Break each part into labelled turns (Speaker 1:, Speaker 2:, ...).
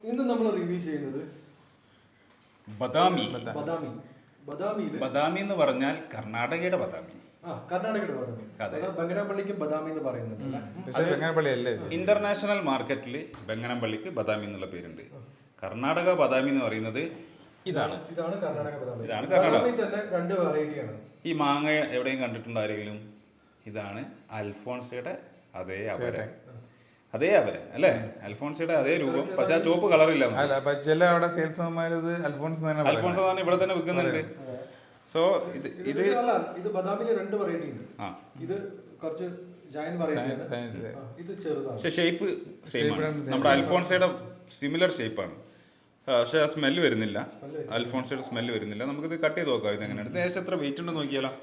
Speaker 1: ഇന്ന് നമ്മൾ റിവ്യൂ ചെയ്യുന്നത്
Speaker 2: ബദാമി.
Speaker 1: ബദാമി
Speaker 2: എന്ന് പറഞ്ഞാൽ കർണാടകയുടെ ബദാമി.
Speaker 1: കർണാടകയുടെ ബദാമി. ബംഗനാപ്പള്ളിക്കും ബദാമി എന്ന് പറയുന്നുണ്ട്.
Speaker 2: ഇന്റർനാഷണൽ മാർക്കറ്റിൽ ബംഗനപ്പള്ളിക്ക് ബദാമി എന്നുള്ള പേരുണ്ട്. കർണാടക ബദാമി എന്ന് പറയുന്നത് ഇതാണ്.
Speaker 1: ഇതാണ് കർണാടക ബദാമി.
Speaker 2: ഇതാണ് കർണാടക.
Speaker 1: തന്നെ രണ്ട് വെറൈറ്റിയാണ്.
Speaker 2: ഈ മാങ്ങ എവിടെയും കണ്ടിട്ടുണ്ടോ ആരെങ്കിലും? ഇതാണ് അൽഫോൺസയുടെ അതേ അപരം അല്ലേ? അൽഫോൺസയുടെ അതേ രൂപം, പക്ഷെ ആ ചുവപ്പ് കളറില്ല.
Speaker 3: ചില അവിടെ സെയിൽസ്മാർ
Speaker 2: അൽഫോൺസ ഇവിടെ തന്നെ വിൽക്കുന്നുണ്ട്. സോ
Speaker 1: ഇത് ബദാമിലെ രണ്ട് വെറൈറ്റി ഉണ്ട്. ഇത് കുറച്ച് ജയന്റ് വെറൈറ്റി, ഇത് ചെറുതാണ്.
Speaker 2: പക്ഷെ ഷേപ്പ് സെയിം ആണ്. നമ്മുടെ അൽഫോൺസയുടെ സിമിലർ ഷേപ്പാണ്, പക്ഷെ ആ സ്മെല്ല് വരുന്നില്ല. അൽഫോൺസയുടെ സ്മെല്ല് വരുന്നില്ല. നമുക്കിത് കട്ട് ചെയ്ത് നോക്കാം. ഇതെങ്ങനെയാണ്? ഏകദേശം എത്ര വെയിറ്റ് ഉണ്ടെന്ന് നോക്കിയാലോ.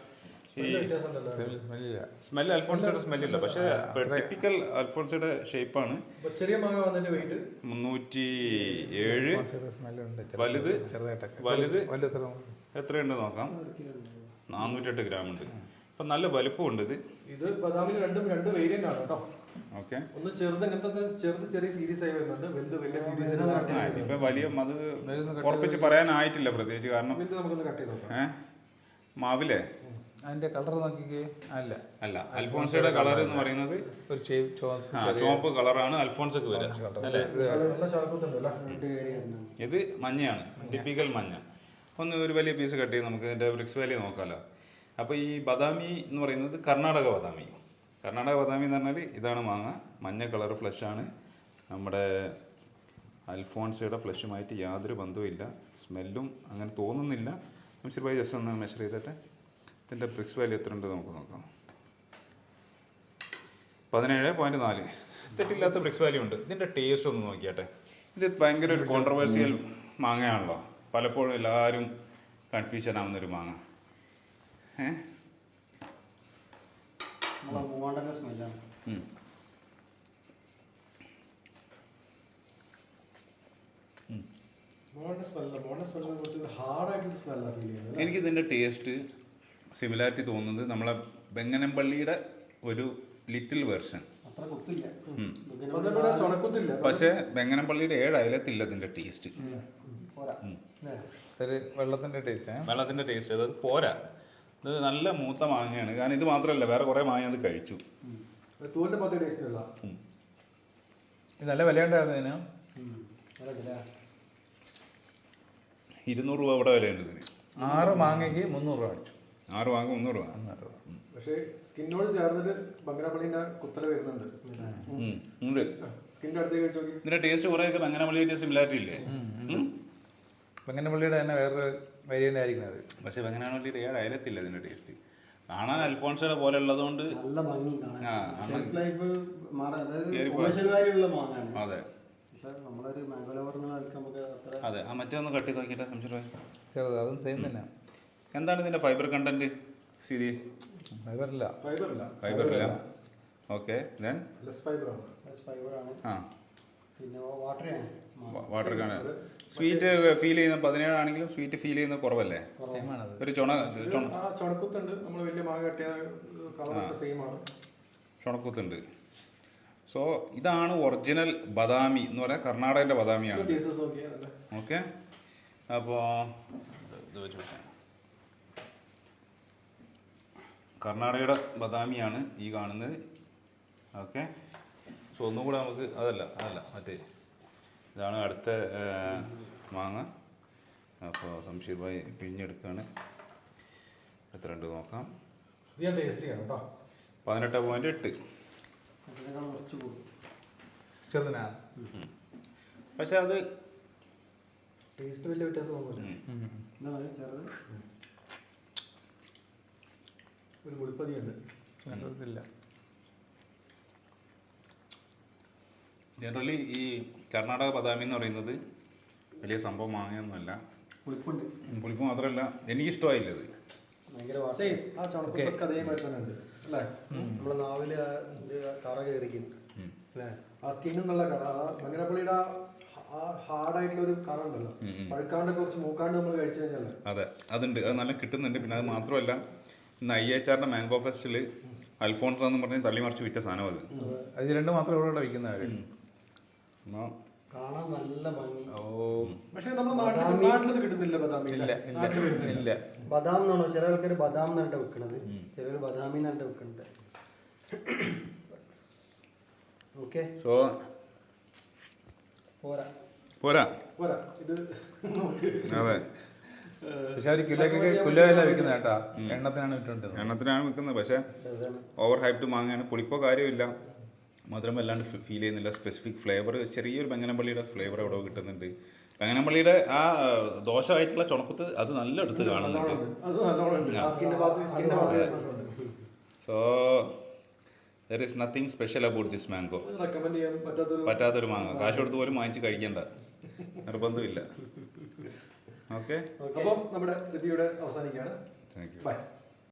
Speaker 2: സ്മെല്ല് അൽഫോൺസയുടെ സ്മെല്ലില്ല, പക്ഷെ ടിപ്പിക്കൽ അൽഫോൺസയുടെ ഷേപ്പാണ്.
Speaker 1: ചെറിയ മാങ്ങ വന്നതിന്റെ വെയിറ്റ്
Speaker 2: 307. വലുത് എത്രയുണ്ട് നോക്കാം. 408 ഗ്രാം ഉണ്ട്. അപ്പൊ നല്ല വലുപ്പമുണ്ട്.
Speaker 1: ഇത് ബദാമിന് രണ്ട് വേരിയന്റ് ആണ് കേട്ടോ.
Speaker 2: ഓക്കെ,
Speaker 1: ഒന്ന് ചെറുത്, ഇങ്ങനത്തെ ചെറിയ സീരീസ് ആയി വരുന്നുണ്ട്. വലിയ സീരീസ്
Speaker 2: ഇപ്പൊ വലിയ അത് ഉറപ്പിച്ച് പറയാനായിട്ടില്ല പ്രത്യേകിച്ച്. കാരണം
Speaker 1: നമുക്കൊന്ന് കട്ട് ചെയ്ത് നോക്കാം.
Speaker 2: മാവിലെ
Speaker 3: അതിന്റെ കളർ നോക്കിക്കേ.
Speaker 2: അല്ല അൽഫോൺസയുടെ കളർ എന്ന് പറയുന്നത്
Speaker 3: ഒരു
Speaker 2: ചുവപ്പ് കളറാണ് അൽഫോൺസക്ക് വരിക. ഇത് മഞ്ഞയാണ്, ടിപ്പിക്കൽ മഞ്ഞ. ഒന്ന് ഒരു വലിയ പീസ് കട്ട് ചെയ്ത് നമുക്ക് ഇതിന്റെ ബ്രിക്സ് വാല്യൂ നോക്കാമല്ലോ. അപ്പോൾ ഈ ബദാമി എന്ന് പറയുന്നത് കർണാടക ബദാമി എന്ന് പറഞ്ഞാൽ ഇതാണ് മാങ്ങ. മഞ്ഞ കളർ ഫ്ലഷാണ്. നമ്മുടെ അൽഫോൺസയുടെ ഫ്ലഷുമായിട്ട് യാതൊരു ബന്ധവുമില്ല. സ്മെല്ലും അങ്ങനെ തോന്നുന്നില്ല. മിസ്റ്റർ ഭായി ജസ്റ്റ് ഒന്ന് മെഷർ ചെയ്തിട്ട് ഇതിൻ്റെ ബ്രിക്സ് വാല്യൂ എത്ര ഉണ്ട് നമുക്ക് നോക്കാം. 17.4. തെറ്റില്ലാത്ത ബ്രിക്സ് വാല്യൂ ഉണ്ട്. ഇതിൻ്റെ ടേസ്റ്റ് ഒന്ന് നോക്കിയാട്ടെ. ഇത് ഭയങ്കര ഒരു കോൺട്രവേഴ്സിയൽ മാങ്ങയാണല്ലോ. പലപ്പോഴും എല്ലാവരും കൺഫ്യൂഷൻ ആവുന്നൊരു മാങ്ങ. എനിക്കിതിൻ്റെ ടേസ്റ്റ് സിമിലാരിറ്റി തോന്നുന്നത് നമ്മളെ ബംഗനപ്പള്ളിയുടെ ഒരു ലിറ്റിൽ വെർഷൻ. പക്ഷെ ബംഗനപ്പള്ളിയുടെ 7 അയലത്തില്ല ഇതിൻ്റെ ടേസ്റ്റ്.
Speaker 3: വെള്ളത്തിന്റെ ടേസ്റ്റ്
Speaker 2: അത് പോരാ. ഇത് നല്ല മൂത്ത മാങ്ങയാണ്. കാരണം ഇത് മാത്രമല്ല, വേറെ കുറെ മാങ്ങ അത് കഴിച്ചു.
Speaker 3: നല്ല വിലയുണ്ടായിരുന്നു ഇതിന്.
Speaker 2: 200 രൂപ ഇവിടെ വിലയുണ്ട് ഇതിന്.
Speaker 3: 6 മാങ്ങയ്ക്ക് 300 രൂപ അടിച്ചു.
Speaker 2: 6 മാങ്ങ 300 രൂപ.
Speaker 1: പക്ഷേ സ്കിന്നോട് ചേർന്നിട്ട് ബംഗനപ്പള്ളിന്റെ കുത്തല വരുന്നുണ്ട്. സ്കിന്നിന്റെ അടുത്തേക്ക് നോക്കി.
Speaker 2: ഇതിന്റെ ടേസ്റ്റ് കുറെയൊക്കെ ബംഗനപ്പള്ളിയുടെ സിമിലാരിറ്റി ഇല്ലേ?
Speaker 3: ബംഗനപ്പള്ളിയുടെ തന്നെ വേറൊരു വേരിയന്റ് ആയിരിക്കും അത്.
Speaker 2: പക്ഷെ ബംഗനപ്പള്ളിയുടെ 7 അയലത്തില്ല ഇതിന്റെ ടേസ്റ്റ്. കാണാൻ അൽഫോൺസയുടെ പോലെ ഉള്ളതുകൊണ്ട് അതെ അതെ. ആ മറ്റേ ഒന്ന് കട്ട് ചെയ്ത് നോക്കിയിട്ട്
Speaker 3: അതും സെയിം തന്നെ.
Speaker 2: എന്താണ് ഇതിന്റെ ഫൈബർ കണ്ടന്റ്? സീരീസ്
Speaker 3: ഫൈബറില്ല.
Speaker 2: ഓക്കെ, വാട്ടർ കാണാൻ സ്വീറ്റ് ഫീൽ ചെയ്യുന്ന 17 ആണെങ്കിലും സ്വീറ്റ് ഫീൽ ചെയ്യുന്ന കുറവല്ലേ? ഒരു
Speaker 1: ചുണക്കുത്തുണ്ട്. നമ്മൾ വലിയ മാങ്ങ കട്ടിയ
Speaker 2: ചുണക്കുത്തുണ്ട്. സോ ഇതാണ് ഒറിജിനൽ ബദാമി എന്ന് പറയാൻ. കർണാടകന്റെ ബദാമിയാണ്. ഓക്കെ, അപ്പോൾ ഇത് വെച്ച് കർണാടകയുടെ ബദാമിയാണ് ഈ കാണുന്നത്. ഓക്കെ, സോ ഒന്നും കൂടെ നമുക്ക് അതല്ല മറ്റേ ഇതാണ് അടുത്ത മാങ്ങ. അപ്പോൾ സംശീർ ഭായി പിഴിഞ്ഞെടുക്കുകയാണ്. എത്ര ഉണ്ട് നോക്കാം. 18.8. പക്ഷെ അത്
Speaker 1: ടേസ്റ്റ് വലിയ വ്യത്യാസം ഒരു മുളിപ്പതിയുണ്ട്.
Speaker 2: ജനറലി ഈ കർണാടക ബദാമി എന്ന് പറയുന്നത് വലിയ സംഭവം മാങ്ങയൊന്നുമല്ല. പുളിപ്പ് മാത്രമല്ല, എനിക്കിഷ്ടമായില്ല ഇത്.
Speaker 1: അതേമാതിരി തന്നെ ഉണ്ട് അല്ലേ? നമ്മളെ നാവില് കറ കയറിക്കും അല്ലേ? ആ സ്കിന്നുള്ള കറ, ബംഗനപ്പള്ളിയുടെ ഹാർഡായിട്ടുള്ള ഒരു കറ ഉണ്ടല്ലോ, പഴുക്കാണ്ട് കുറച്ച് മൂക്കാണ്ട് നമ്മൾ കഴിച്ചു കഴിഞ്ഞാൽ
Speaker 2: അതെ അതുണ്ട്. അത് നല്ല കിട്ടുന്നുണ്ട്. പിന്നെ അത് മാത്രമല്ല, ഇന്ന് IHR മാംഗോ ഫെസ്റ്റിൽ അൽഫോൺസ എന്ന് പറഞ്ഞ് തള്ളി മറിച്ച് വിറ്റ സാധനം അത്.
Speaker 3: അത് 2 മാത്രമേ ഇവിടെ വയ്ക്കുന്ന കാര്യം.
Speaker 4: കാണാൻ നല്ല ഭംഗി.
Speaker 3: ഓ
Speaker 1: പക്ഷേ നമ്മുടെ നാട്ടിൽ കിട്ടുന്നില്ല ബദാമി.
Speaker 3: ഇല്ല
Speaker 1: നാട്ടിൽ
Speaker 3: ഇല്ല
Speaker 1: വരുന്നില്ല.
Speaker 3: ഇല്ല.
Speaker 4: ബദാം എന്നാണോ ചില ആൾക്കാർ ബദാം എന്നിട്ട് വെക്കണത്, ചിലർ ബദാമി എന്നിട്ട് വെക്കണത്. ഓക്കെ
Speaker 2: സോ
Speaker 4: പോരാ.
Speaker 2: പോരാ.
Speaker 1: പോരാ ഇത് നമുക്ക്
Speaker 2: അതെ,
Speaker 3: പക്ഷെ അവർ കിലോ അല്ല വിൽക്കുന്നത് കേട്ടാ, എണ്ണത്തിനാണ് വിറ്റുകൊണ്ടിരുന്നത്.
Speaker 2: എണ്ണത്തിനാണ് വിൽക്കുന്നത്. പക്ഷേ ഓവർ ഹൈപ്ഡ് മാങ്ങയാണ്. പുളിപ്പോ കാര്യമില്ല, മധുരം വല്ലാണ്ട് ഫീൽ ചെയ്യുന്നില്ല. സ്പെസിഫിക് ഫ്ലേവർ, ചെറിയൊരു ബെങ്ങനപ്പള്ളിയുടെ ഫ്ലേവർ അവിടെ കിട്ടുന്നുണ്ട്. ബെങ്ങനപ്പള്ളിയുടെ ആ ദോഷമായിട്ടുള്ള ചുണക്കത്ത് അത് നല്ല എടുത്ത് കാണുന്നുണ്ട്.
Speaker 1: അത് നല്ലോണം ഉണ്ട്. ആ സ്കിന്റെ ഭാഗത്ത്
Speaker 2: so there is nothing special about this mango.
Speaker 1: Recommend ചെയ്യാൻ
Speaker 2: പറ്റാത്തൊരു മാങ്ങ, കാശ് കൊടുത്ത് പോലും വാങ്ങിച്ച് കഴിക്കേണ്ട നിർബന്ധമില്ല. ഓക്കെ,
Speaker 1: അപ്പം നമ്മുടെ റിവ്യൂടെ അവസാനിക്കുകയാണ്.
Speaker 2: Thank you.
Speaker 1: ബൈ.